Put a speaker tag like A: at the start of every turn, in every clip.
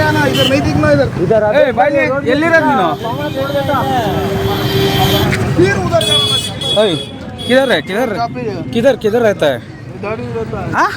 A: किधर है किधर किधर किधर रहता है हाँ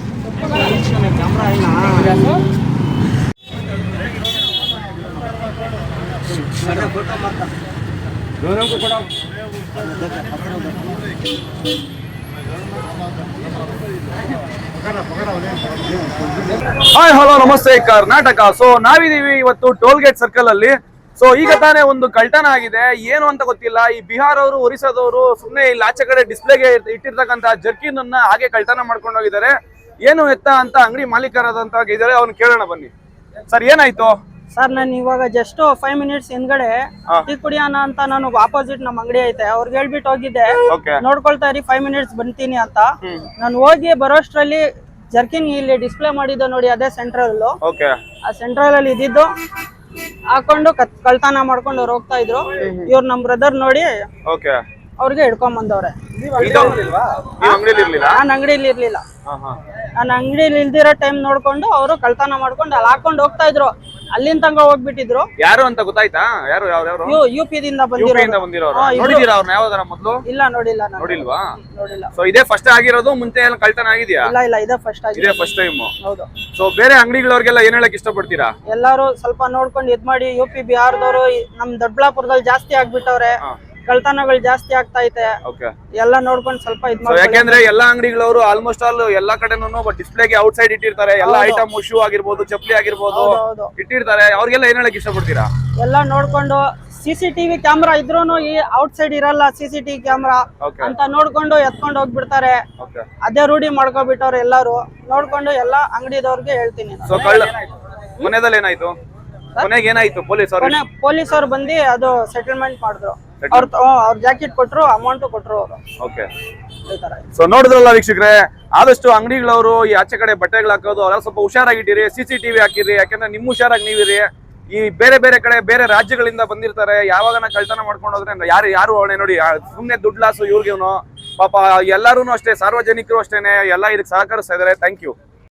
A: ಹಾಯ್ ಹಲೋ ನಮಸ್ತೆ ಕರ್ನಾಟಕ. ಸೊ ನಾವಿದೀವಿ ಇವತ್ತು ಟೋಲ್ ಗೇಟ್ ಸರ್ಕಲ್ ಅಲ್ಲಿ. ಸೊ ಈಗ ತಾನೇ ಒಂದು ಕಳ್ತನ ಆಗಿದೆ, ಏನು ಅಂತ ಗೊತ್ತಿಲ್ಲ. ಈ ಬಿಹಾರ್ ಅವರು ಒರಿಸ್ಸಾದವರು ಸುಮ್ಮನೆ ಇಲ್ಲಿ ಆಚೆ ಕಡೆ ಡಿಸ್ಪ್ಲೇಗೆ ಇಟ್ಟಿರ್ತಕ್ಕಂತ ಜರ್ಕಿನ್ ಅನ್ನ ಹಾಗೆ ಕಳ್ತನ ಮಾಡ್ಕೊಂಡು ಹೋಗಿದ್ದಾರೆ. ಏನು ಎತ್ತ ಅಂತ ಅಂಗಡಿ ಮಾಲೀಕರಾದಂತ ಇದ್ದಾರೆ, ಅವ್ನು ಕೇಳೋಣ ಬನ್ನಿ. ಸರ್ ಏನಾಯ್ತು?
B: ಸರ್ ನಾನು ಇವಾಗ ಜಸ್ಟ್ 5 ಮಿನಿಟ್ಸ್ ಹಿಂದ್ಗಡೆ ಟೀ ಕುಡಿಯೋಣ ಅಂತ ನಾನು ಆಪೋಸಿಟ್ ನಮ್ಮ ಅಂಗಡಿ ಐತೆ ಅವ್ರಿಗೆ ಹೇಳ್ಬಿಟ್ಟು ಹೋಗಿದ್ದೆ, ನೋಡ್ಕೊಳ್ತಾ ಇರಿ 5 ಮಿನಿಟ್ಸ್ ಬಂತೀನಿ ಅಂತ. ನಾನು ಹೋಗಿ ಬರೋಷ್ಟ್ರಲ್ಲಿ ಜರ್ಕಿನ್ ಇಲ್ಲಿ ಡಿಸ್ಪ್ಲೇ ಮಾಡಿದ್ದು ನೋಡಿ, ಅದೇ ಸೆಂಟ್ರಲ್. ಆ ಸೆಂಟ್ರಲ್ ಅಲ್ಲಿ ಇದ್ದಿದ್ದು ಹಾಕೊಂಡು ಕಳ್ತನ ಮಾಡ್ಕೊಂಡು ಅವ್ರು ಹೋಗ್ತಾ ಇದ್ರು. ಇವ್ರು ನಮ್ ಬ್ರದರ್ ನೋಡಿ ಅವ್ರಿಗೆ ಹಿಡ್ಕೊಂಡ್ ಬಂದವ್ರೆ. ನಾನು ಅಂಗಡಿಲಿ ಇರ್ಲಿಲ್ಲ. ನಾನು ಅಂಗಡಿಲಿ ಇಲ್ದಿರೋ ಟೈಮ್ ನೋಡ್ಕೊಂಡು ಅವರು ಕಳ್ತನ ಮಾಡ್ಕೊಂಡು ಅಲ್ಲಿ ಹಾಕೊಂಡು ಹೋಗ್ತಾ ಇದ್ರು. ಅಲ್ಲಿಂದ ತನಕ ಹೋಗ್ಬಿಟ್ಟಿದ್ರು.
A: ಯಾರು ಅಂತ ಗೊತ್ತಾಯ್ತಾ? ಯಾರು
B: UP ದಿಂದ ಬಂದಿರೋರು. ಇಲ್ಲ ನೋಡಿಲ್ಲ.
A: ನೋಡಿಲ್ವಾ? ಸೊ ಇದೇ ಫಸ್ಟ್ ಆಗಿರೋದು? ಮುಂಚೆ ಎಲ್ಲ ಕಳ್ತನ ಆಗಿದ್ಯಾ?
B: ಇಲ್ಲ ಇದೇ ಫಸ್ಟ್ ಆಗಿದೆ.
A: ಇದೇ ಫಸ್ಟ್ ಟೈಮ್.
B: ಹೌದು.
A: ಸೊ ಬೇರೆ ಅಂಗಡಿಗಳವ್ರಿಗೆಲ್ಲ ಏನ್ ಹೇಳಕ್ ಇಷ್ಟಪಡ್ತೀರಾ?
B: ಎಲ್ಲಾರು ಸ್ವಲ್ಪ ನೋಡ್ಕೊಂಡು ಇದ್ ಮಾಡಿ. UP ಬಿಹಾರದವರು ನಮ್ ದೊಡ್ಡಬಳ್ಳಾಪುರದಲ್ಲಿ ಜಾಸ್ತಿ ಆಗ್ಬಿಟ್ಟವ್ರೆ, ಕಳ್ತನಗಳು ಜಾಸ್ತಿ ಆಗ್ತಾ ಐತೆ. ಎಲ್ಲ ನೋಡ್ಕೊಂಡು ಸ್ವಲ್ಪ ಇದ್ ಮಾಡಿ.
A: ಯಾಕೆಂದ್ರೆ ಎಲ್ಲಾ ಅಂಗಡಿಗಳವರು ಆಲ್ಮೋಸ್ಟ್ ಆಲ್ ಎಲ್ಲಾ ಕಡೆನೂ ಡಿಸ್ಪ್ಲೇಗೆ ಔಟ್ ಸೈಡ್ ಇಟ್ಟಿರ್ತಾರೆ. ಎಲ್ಲಾ ಐಟಮ್ ಶೂ ಆಗಿರ್ಬೋದು, ಚಪ್ಪಲಿ ಆಗಿರ್ಬೋದು ಇಟ್ಟಿರ್ತಾರೆ. ಅವ್ರಿಗೆಲ್ಲ ಏನ್ ಹೇಳಕ್ ಇಷ್ಟಪಡ್ತೀರಾ?
B: ಎಲ್ಲ ನೋಡ್ಕೊಂಡು CCTV ಕ್ಯಾಮ್ರಾ ಇದ್ರೂನು ಈ ಔಟ್ ಸೈಡ್ ಇರಲ್ಲ. CCTV ಕ್ಯಾಮ್ರಾ ಅಂತ ನೋಡ್ಕೊಂಡು ಎತ್ಕೊಂಡು ಹೋಗ್ಬಿಡ್ತಾರೆ. ಅದೇ ರೂಢಿ ಮಾಡ್ಕೊಬಿಟ್ಟವ್ರು ಎಲ್ಲಾರು. ನೋಡ್ಕೊಂಡು ಎಲ್ಲಾ ಅಂಗಡಿದವ್ರಿಗೆ ಹೇಳ್ತೀನಿ.
A: ಮನೆಯಲ್ಲಿ ಏನಾಯ್ತು? ಕೊನೆಗೆ ಏನಾಯ್ತು?
B: ಪೊಲೀಸರು ಬಂದು ಅದು ಸೆಟಲ್ಮೆಂಟ್ ಮಾಡಿದ್ರು. ಅವ್ರ ಜಾಕೆಟ್ ಕೊಟ್ರು, ಅಮೌಂಟ್ ಕೊಟ್ರು ಅವರು.
A: ಸೊ ನೋಡಿದ್ರಲ್ಲ ವೀಕ್ಷಕರೇ, ಆದಷ್ಟು ಅಂಗಡಿಗಳವರು ಈ ಆಚೆ ಕಡೆ ಬಟ್ಟೆಗಳು ಹಾಕೋದು ಅವೆಲ್ಲ ಸ್ವಲ್ಪ ಹುಷಾರಾಗಿಟ್ಟಿರಿ. CCTV ಹಾಕಿರಿ, ಯಾಕಂದ್ರೆ ನಿಮ್ ಹುಷಾರಾಗಿ ನೀವಿರಿ. ಈ ಬೇರೆ ಬೇರೆ ಕಡೆ ಬೇರೆ ರಾಜ್ಯಗಳಿಂದ ಬಂದಿರ್ತಾರೆ. ಯಾವಾಗ ಕಳ್ತನ ಮಾಡ್ಕೊಂಡು ಹೋದ್ರೆ ಯಾರು ಅವಳೆ ನೋಡಿ, ಸುಮ್ನೆ ದುಡ್ಡು ಲಾಸು ಇವ್ರಿಗೇನು. ಪಾಪ ಎಲ್ಲಾರು ಅಷ್ಟೇ, ಸಾರ್ವಜನಿಕರು ಅಷ್ಟೇನೆ ಎಲ್ಲ ಇದಕ್ಕೆ ಸಹಕರಿಸ್ತಾ ಇದಾರೆ. Thank you.